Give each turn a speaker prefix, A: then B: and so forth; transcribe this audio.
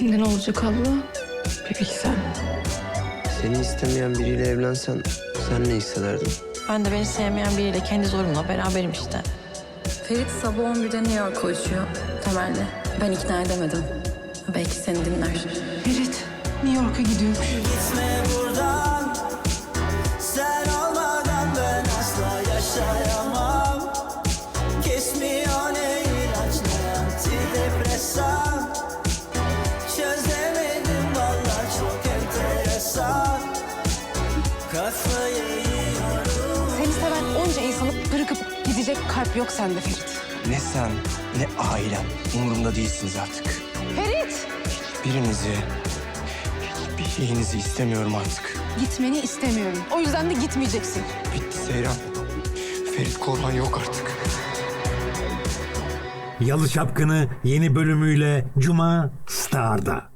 A: Şimdi ne olacak abla? Bir bilsen.
B: Seni istemeyen biriyle evlensen sen ne hissederdin?
C: Ben de beni sevmeyen biriyle kendi zorumla beraberim işte.
D: Ferit sabah 11'de New York'a uçuyor Temel'le. Ben ikna edemedim. Belki seni dinler.
A: Ferit New York'a gidiyormuş.
E: Gitme buradan, sen olmadan ben asla yaşayamam. Kesmiyor ne ilaç ne antidepresan. Çözemedim vallahi çok enteresan. Kafayı yiyorum.
F: Seni seven onca insanı bırakıp gidecek kalp yok sende Ferit.
G: Ne sen ne ailen umurumda değilsiniz artık.
F: Ferit!
G: Birinizi, hiçbir şeyinizi istemiyorum artık.
F: Gitmeni istemiyorum. O yüzden de gitmeyeceksin.
G: Bitti Seyran. Ferit Korhan yok artık.
H: Yalı Çapkını yeni bölümüyle Cuma Star'da.